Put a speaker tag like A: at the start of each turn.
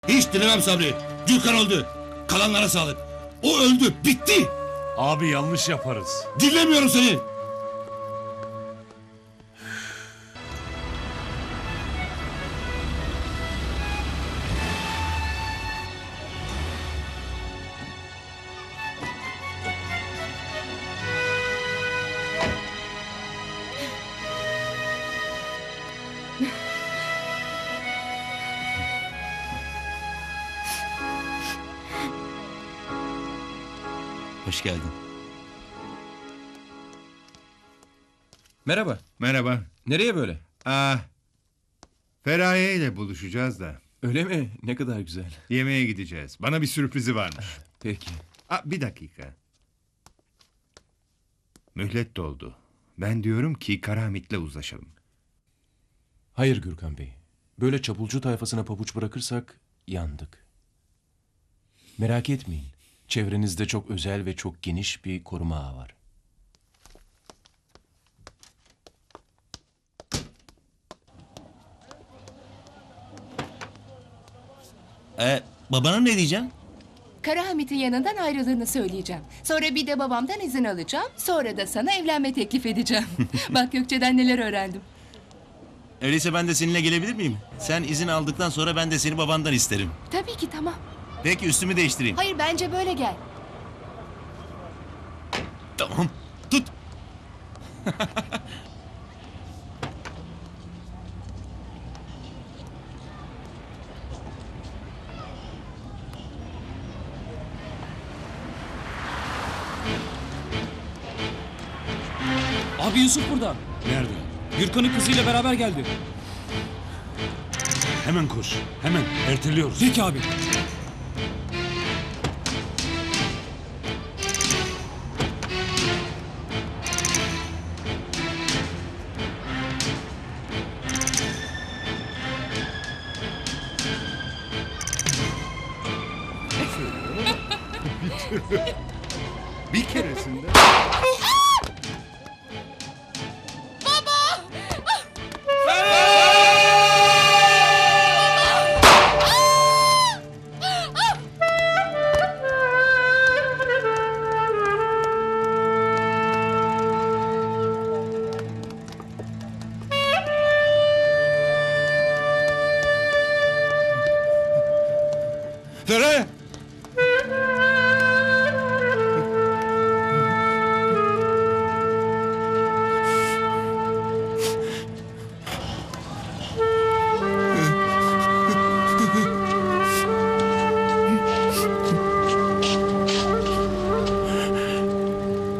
A: Hiç dilemem Sabri. Gürkan öldü. Kalanlara sağlık. O öldü. Bitti.
B: Abi yanlış yaparız.
A: Dinlemiyorum seni. Hoş geldin.
C: Merhaba.
D: Merhaba.
C: Nereye böyle?
D: Feraye ile buluşacağız da.
C: Öyle mi? Ne kadar güzel.
D: Yemeğe gideceğiz. Bana bir sürprizi varmış.
C: Peki.
D: Bir dakika. Mühlet doldu. Ben diyorum ki Karahamit'le uzlaşalım.
E: Hayır Gürkan Bey. Böyle çapulcu tayfasına pabuç bırakırsak yandık. Merak etmeyin. Çevrenizde çok özel ve çok geniş bir koruma ağı var.
A: Babana ne diyeceğim?
F: Karahamit'in yanından ayrıldığını söyleyeceğim. Sonra bir de babamdan izin alacağım. Sonra da sana evlenme teklif edeceğim. Bak Gökçe'den neler öğrendim.
A: Öyleyse ben de seninle gelebilir miyim? Sen izin aldıktan sonra ben de seni babandan isterim.
F: Tabii ki tamam.
A: Peki üstümü değiştireyim.
F: Hayır bence böyle gel.
A: Tamam. Tut.
G: Abi Yusuf burada.
B: Nerede?
G: Gürkan'ın kızıyla beraber geldi.
B: Hemen koş. Hemen. Erteliyoruz.
G: Peki abi.
D: Bir keresinde...
A: Fere!